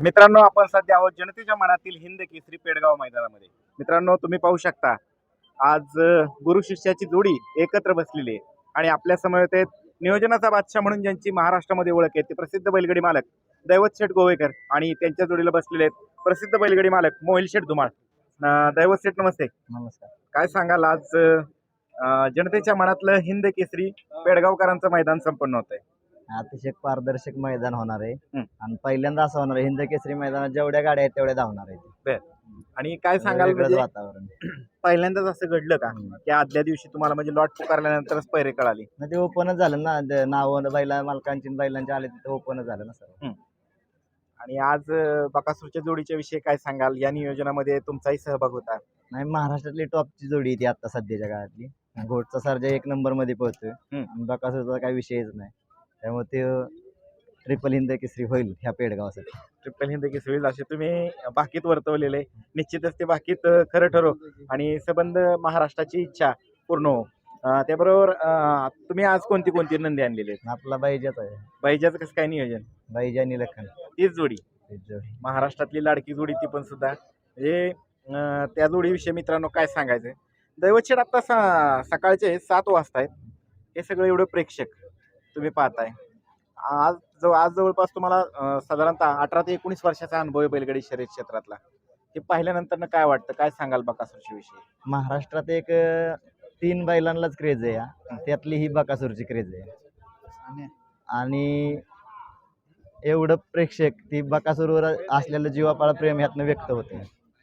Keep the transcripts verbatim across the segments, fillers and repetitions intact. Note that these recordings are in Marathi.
मित्रांनो, आपण सध्या आहोत जनतेच्या मनातील हिंद केसरी पेडगाव मैदानामध्ये. मित्रांनो, तुम्ही पाहू शकता आज अ, गुरु शिष्याची जोडी एकत्र बसलेली आहे आणि आपल्या समोर ते नियोजनाचा बादशाह म्हणून ज्यांची महाराष्ट्रामध्ये ओळख आहे ते प्रसिद्ध बैलगाडी मालक दैवत शेठ गोवेकर आणि त्यांच्या जोडीला बसलेले आहेत प्रसिद्ध बैलगाडी मालक मोहिल शेठ धुमाळ. अ, दैवत शेठ नमस्ते. नमस्कार. काय सांगाल आज अ, जनतेच्या मनातलं हिंद केसरी पेडगावकरांचं मैदान संपन्न होत आहे? अतिशय पारदर्शक मैदान होणार आहे हं. आणि पहिल्यांदा असं होणार आहे हिंद केसरी मैदानात जेवढ्या गाड्या आहेत तेवढ्या धावणार आहेत. बर. आणि काय सांगाल वेगळंच म्हणजे वातावरण. पहिल्यांदाच असं घडलं का हम्म. की आदल्या दिवशी तुम्हाला म्हणजे लॉट पुकारल्यानंतरच पैरे कळाली? मग ते ओपनच झालं ना, द- नावं बैला मालकांची आणि बैलांची आले तिथे ओपनच झालं ना सर. आणि आज अ, बकासूरच्या जोडीच्या विषयी काय सांगाल? या नियोजनामध्ये तुमचाही सहभाग होता. नाही, महाराष्ट्रातली टॉपची जोडी आहे ती आता सध्याच्या काळातली. घोटचा सर्जा एक नंबर मध्ये पोहोचतोय हम्म. आणि बकासूरचा काही विषयच नाही, त्यामुळे ते ट्रिपल हिंद केसरी होईल ह्या पेडगावासाठी. ट्रिपल हिंद केसरी होईल असे तुम्ही बाकीत वर्तवलेले. निश्चितच ते बाकीत अ, खरं ठरो आणि सबंध महाराष्ट्राची इच्छा पूर्ण हो. अ, त्याबरोबर अ, तुम्ही आज कोणती कोणती नंदी आणलेली आहेत? आपला बाईजाच आहे, बाईजाचं कसं काय नियोजन? बाईजा आणि लखन तीच जोडी हीच जोडी. महाराष्ट्रातली लाडकी जोडी ती पण सुद्धा म्हणजे अं, त्या जोडीविषयी मित्रांनो काय सांगायचं? दैवतशेठ आता सा सकाळचे सात वाजता आहेत. हे सगळं एवढं प्रेक्षक तुम्ही पाहताय. आज जो आज जवळपास तुम्हाला अं, साधारणतः अठरा ते एकोणीस वर्षाचा अनुभव आहे बैलगाडी शर्यत क्षेत्रातला. हे पाहिल्यानंतर काय वाटतं? काय सांगाल बकासूरच्या विषयी? महाराष्ट्रात एक अ, तीन बैलांनाच क्रेज आहे हा. त्यातली ही बकासूरची क्रेज आहे आणि आणि एवढं प्रेक्षक ती बकासूरवर असलेलं जीवापाळ प्रेम ह्यातनं व्यक्त होते.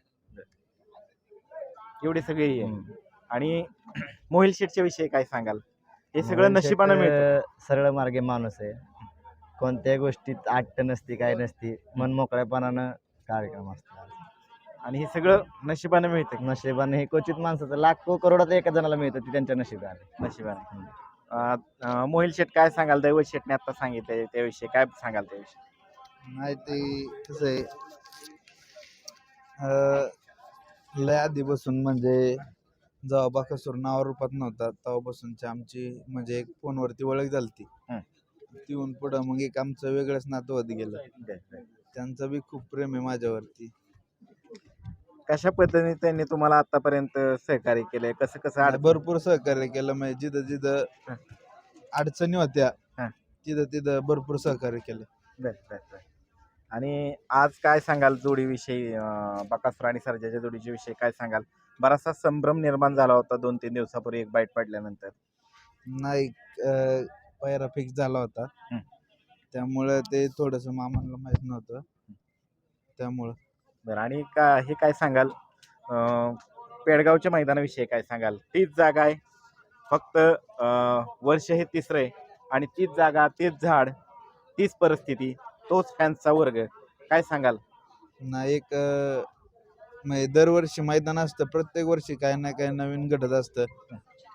एवढी सगळी आहे. आणि मोहिल शेठच्या विषयी काय सांगाल? हे सगळं मोहिल नशिबानं शेठ, मिळतं. अ, सरळ मार्गे माणूस आहे. कोणत्याही गोष्टीत आट्ट नसती, काय नसती, मन मोकळ्यापणानं कार्यक्रम असतात. आणि हे सगळं नशिबानं मिळतं. नशिबाने हे क्वचित माणसाचं लाखो करोडात एका जणाला मिळतं, ती त्यांच्या नशिबाने. नशिबाने. अं, अं, मोहिल शेठ काय सांगाल? दैवत शेठने आता सांगितलंय त्याविषयी काय सांगाल त्याविषयी? नाही ते कसं आहे, अं, लय आधीपासून म्हणजे जेव्हा बकासूर नावा रूपात नव्हता तेव्हापासूनची आमची म्हणजे एक फोनवरती ओळख झालती. हं. तिथून पुढं मग एक आमचं वेगळंच नातं होत गेलं. त्यांचं बी खूप प्रेम आहे माझ्यावरती. कशा पद्धतीने त्यांनी तुम्हाला आतापर्यंत सहकार्य केलंय? कसं कसं आणि अडचण- भरपूर सहकार्य केलं, म्हणजे जिथं जिथं हं. अडचणी होत्या हं. तिथं तिथं भरपूर सहकार्य केलं. बर, बर, बर. आणि आज काय सांगाल जोडीविषयी? अं, बकासूर आणि सर्जाच्या जोडीच्या विषयी काय सांगाल? बराचसा संभ्रम निर्माण झाला होता दोन तीन दिवसापूर्वी एक बाईट पडल्यानंतर. नाही, अं, पायरा फिक्स झाला होता. हं. त्यामुळं ते थोडंसं मामांना माहीत नव्हतं, त्यामुळं. बरं. आणि का हे काय सांगाल अं, पेडगावच्या मैदानाविषयी काय सांगाल? तीच जागा आहे फक्त, अं, वर्ष हे तिसरं आहे आणि तीच जागा, तेच झाड, तीच परिस्थिती, तोच फॅन्सचा वर्ग. काय सांगाल? ना एक अं, म्हणजे दरवर्षी मैदान असतं, प्रत्येक वर्षी काय ना काय नवीन घडत असतं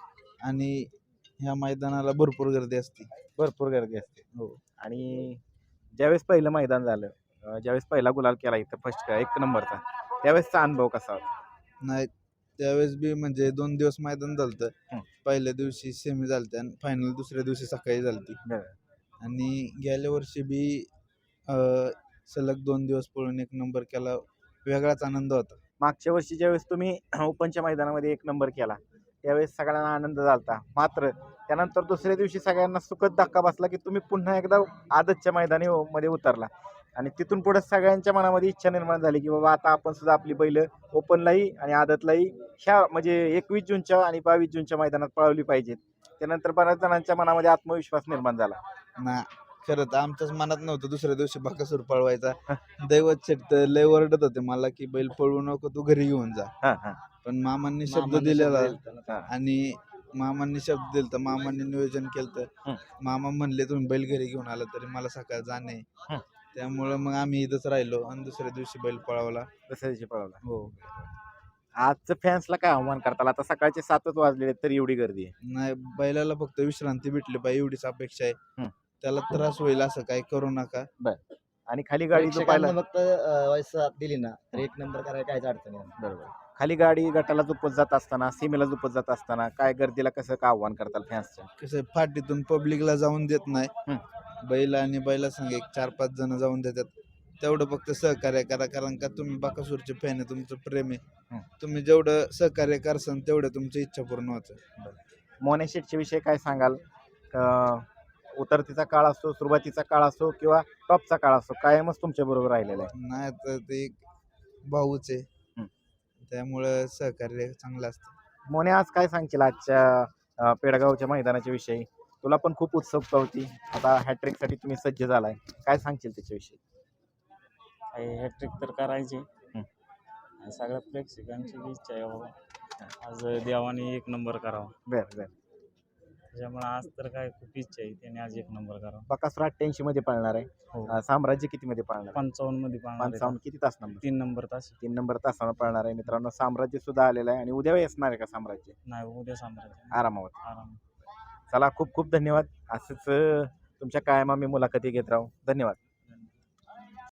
आणि ह्या मैदानाला भरपूर गर्दी असते. भरपूर गर्दी असते. हो. आणि ज्यावेळेस पहिलं मैदान झालं, अं, ज्यावेळेस पहिला गुलाल केला इथं फर्स्ट एक नंबरचा, त्यावेळेसचा अनुभव कसा होता? नाही, त्यावेळेस बी म्हणजे दोन दिवस मैदान हं. झालतं. पहिल्या दिवशी सेमी झालते आणि फायनल दुसऱ्या दिवशी सकाळी झालती. बरं. आणि गेल्या वर्षी बी अं, सलग दोन दिवस पळून एक नंबर केला, वेगळाच आनंद होता. मागच्या वर्षी ज्यावेळेस तुम्ही ओपनच्या मैदानामध्ये एक नंबर केला त्यावेळेस सगळ्यांना आनंद झालता. मात्र त्यानंतर दुसऱ्या दिवशी सगळ्यांना सुखद धक्का बसला की तुम्ही पुन्हा एकदा आदतच्या मैदानी मध्ये उतरला आणि तिथून पुढे सगळ्यांच्या मनामध्ये इच्छा निर्माण झाली की बाबा आता आपण सुद्धा आपली बैल ओपनलाही आणि आदतलाही ह्या म्हणजे एकवीस जूनच्या आणि बावीस जूनच्या मैदानात पळवली पाहिजेत. त्यानंतर बऱ्याच जणांच्या मनामध्ये आत्मविश्वास निर्माण झाला. ना खरं तर आमच्याच मनात नव्हतं दुसऱ्या दिवशी बकासूर पळवायचा. दैवत शेठ तर लय ओरडत होते मला की बैल पळवू नको, तू घरी घेऊन जा. हा, हा, पण मामांनी शब्द मामांनी दिलेला शब्द दिलता ना. हा. आणि मामांनी शब्द दिलता, मामांनी नियोजन केलं. हं. मामा म्हणले तुम्ही बैल घरी घेऊन आला तरी मला सकाळ जाणे. हं. त्यामुळं मग आम्ही इथंच राहिलो आणि दुसऱ्या दिवशी बैल पळवला. दुसऱ्या दिवशी पळवला. हो. आजचं फॅन्सला काय आव्हान करताल? आता सकाळचे सातच वाजलेले तरी एवढी गर्दी आहे. नाही, बैलाला फक्त विश्रांती भेटली पाहिजे एवढीच अपेक्षा आहे. हं. त्याला त्रास होईल असं काही करू नका. आणि खाली गाडी झोपायला प्रेक्षकांना फक्त अ, वाईस साथ दिली ना तर एक नंबर करायला काहीच अडचण नाही. बरोबर. खाली गाडी गटाला झोपत जात असताना, सीमेला झोपत जात असताना काय गर्दीला कसं का आव्हान करताल फॅन्सच्या? कसं आहे, फाटीतून पब्लिकला जाऊन देत नाही. हं. बैल आणि बैला संग एक चार पाच जण जाऊन देतात. तेवढं फक्त सहकार्य करा, कारण का तुम्ही बाकासूरचे फॅन आहे, तुमचं प्रेम हं. आहे. तुम्ही जेवढं सहकार्य करसान तेवढं तुमची इच्छा पूर्ण होतं. मोने शेटच्या विषयी काय सांगाल? अं, उतरतीचा काळ असो, सुरुवातीचा काळ असो किंवा टॉपचा काळ असो, कायमच तुमच्या बरोबर राहिलेला आहे. नाही तर ते एक भाऊच आहे, हं. त्यामुळं सहकार्य चांगलं असतं. मोने, आज काय सांगशील आजच्या अं, पेडगावच्या मैदानाच्या विषयी? तुला पण खूप उत्सुकता होती. आता हॅट्रिक साठी तुम्ही सज्ज झालाय, काय सांगशील त्याच्याविषयी? हॅट्रिक तर करायची हं. आणि सगळ्या प्रेक्षकांची बी इच्छा आहे बाबा आज देवाने एक नंबर करावा. बर बर त्याच्यामुळे आज तर काय खूप इच्छा आहे त्याने आज एक नंबर करावा. बकासूर अठ्ठ्याऐंशी मध्ये पाळणार आहे. हो अं, साम्राज्य किती मध्ये पाळणार आहे? पंचावन्न मध्ये पाहणार आहे. पंचावन्न किती तास नंबर? तीन नंबर तास तीन नंबर तासानं पळणार आहे मित्रांनो. साम्राज्य सुद्धा आलेलं आहे आणि उद्या येणार आहे का साम्राज्य? नाही उद्या साम्राज्य आरामावर. आराम. चला, खूप खूप धन्यवाद. असंच अं, तुमच्या कायम आम्ही मुलाखती घेत राहू. धन्यवाद.